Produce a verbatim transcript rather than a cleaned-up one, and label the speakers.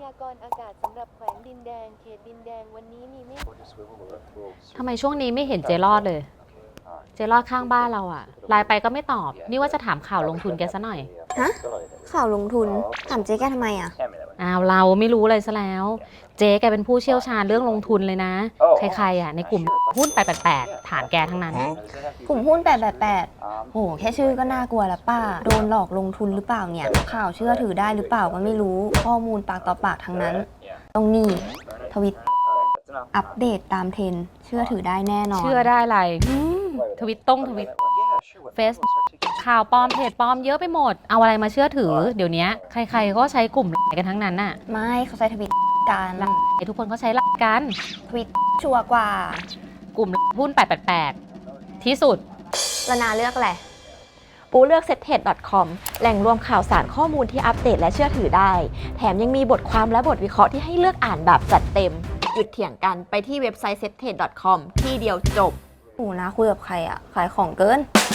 Speaker 1: ากรณ์อากาศสำหรับแขวงดินแดงเขตดินแดงวันนี้มีเมฆ
Speaker 2: ทำไมช่วงนี้ไม่เห็นเจรอดเลย เจรอดข้างบ้านเราอะไลน์ไปก็ไม่ตอบ นี่ว่าจะถามข่าวลงทุนแกซะหน่อย
Speaker 3: ฮะ ข่าวลงทุน ถามเจ๊แกทำไมอ่ะ
Speaker 2: อ้าวเราไม่รู้เลยซะแล้ว เจ๊แกเป็นผู้เชี่ยวชาญเรื่องลงทุนเลยนะ ใครๆอะในกลุ่มหุ้นแปดแปดแปดถามแกทั้งนั้น
Speaker 3: กลุ่มหุ้นแปดแปดแปดโห แค่ชื่อก็น่ากลัวแล้วป้า โดนหลอกลงทุนหรือเปล่าเนี่ย ข่าวเชื่อถือได้หรือเปล่าก็ไม่รู้ ข้อมูลปากต่อปากทั้งนั้น ตรงนี้ทวิต อัปเดตตามเทรนด์เชื่อถือได้แน่นอน
Speaker 2: เชื่อได้อะไรอืมทวิตต้งทวิตเฟซข่าวปลอมเพจปลอมเยอะไปหมด เอาอะไรมาเชื่อถือ เดี๋ยวนี้ใครๆก็ใช้กลุ่มกันทั้งนั้นน่ะ
Speaker 3: ไม่เขาใช้ทวิตกัน
Speaker 2: ทุกคนเขาใช้หลักกัน
Speaker 3: ทวิตชัวร์กว่า
Speaker 2: กลุ่มหุ้นแปดแปดแปดที่สุด
Speaker 3: ละนาเลือกแหละ
Speaker 4: ปูเลือก เซ็ตเทรด ดอท คอม แหล่งรวมข่าวสารข้อมูลที่อัปเดตและเชื่อถือได้ แถมยังมีบทความและบทวิเคราะห์ที่ให้เลือกอ่านแบบจัดเต็ม หยุดเถียงกันไปที่เว็บไซต์ เซ็ตเทรด ดอท คอม ที่เดียวจบ
Speaker 3: หนูนะคุยกับใครอ่ะ ขายของเกิน